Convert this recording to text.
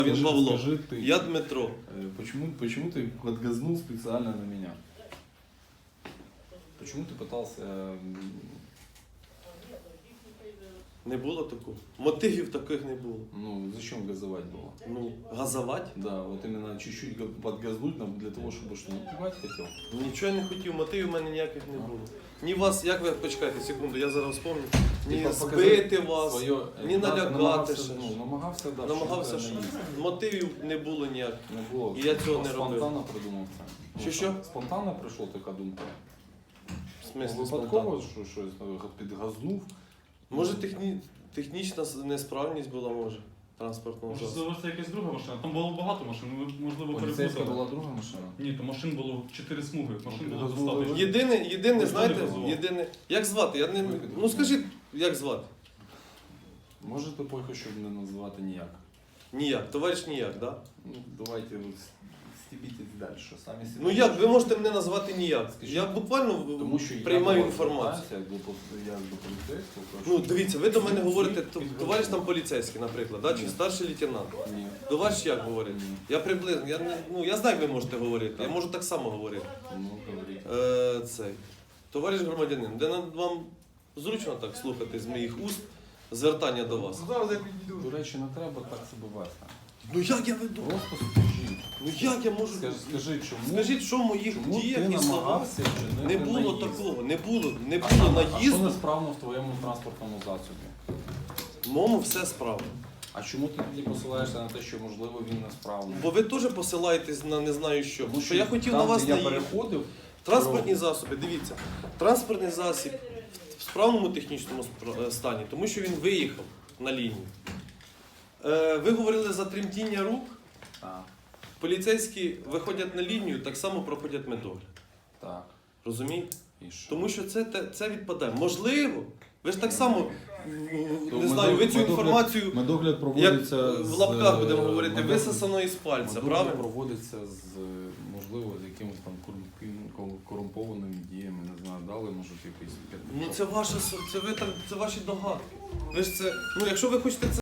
Він Павло. Скажи ты, Я Дмитро. почему ты подгазнул специально на меня? Почему ты пытался... Не було такого. Мотивів таких не було. Ну, зачем газовать было? Ну, газовать? Да, вот именно чуть-чуть подгазнуть нам для того, чтобы что, напугать хотел? Нічого я не хотів, мотивів у мене ніяких не було. Ні вас, як ви, почекайте секунду, я зараз вспомню. Ні збити вас, ні налякати. Намагався, да, Намагався, що мотивів не було ніяких. не було. І я цього не робив. Спонтанно придумав це. Що? Спонтанно прийшла така думка? В смислі Випадково, спонтанно? що щось підгазнув? Може технічна несправність була, може, транспортного засобу. Можливо, це якась друга машина. Там було багато машин, ви, можливо, Поліцейська перепутали. була друга машина? Ні, то машин було 4 смуги. Машин було Газовали. достатньо. Єдине, Ніхто не знаєте, газував. єдине. Як звати? Я не... Ну скажіть, як звати? Можете поки що не називати ніяк. Ніяк, товариш ніяк, да? Ну, давайте стібіть далі. Самі собі. Ну як, ви можете мене назвати ніяк. Скажіть. Я буквально Тому що приймаю я інформацію. як до поліцейського. Ну дивіться, ви до мене говорите, товариш там поліцейський, наприклад, да? Чи старший лейтенант. Ні. До вас як говорить? Ні. Я приблизно, я знаю, як ви можете говорити, я можу так само говорити. Ну, говоріть. Цей. Товариш громадянин, де вам зручно так слухати з моїх уст звертання до вас? До речі, не треба так себе вести. Ну як я веду? Просто скажіть. Ну як я можу? Скажи, чому? Скажіть, що в моїх Чому діях ти і словах намагався не вчинити було наїзд? такого, не було А що наїзду. несправно в твоєму транспортному засобі? В моєму все справа. А чому ти тоді посилаєшся на те, що можливо він несправний? Бо ви теж посилаєтесь на не знаю що. Тому Що я хотів там, на вас де я наїхати. переходив, Транспортні засоби, дивіться. Транспортний засіб в справному технічному стані, тому що він виїхав на лінію. Ви говорили за тремтіння рук. так, Поліцейські виходять на лінію, так само проходять медогляд. так, Розумієте? і що? Тому що це відпадає. Можливо, ви ж так само, То не знаю, ви цю інформацію, медогляд як проводиться в лапках будемо говорити, висосано із пальця, медогляд правильно? проводиться з, можливо, з якимось там корумпованими діями, не знаю, дали, може, якийсь... Ну це ваші догадки. Ви ж це, ну якщо ви хочете це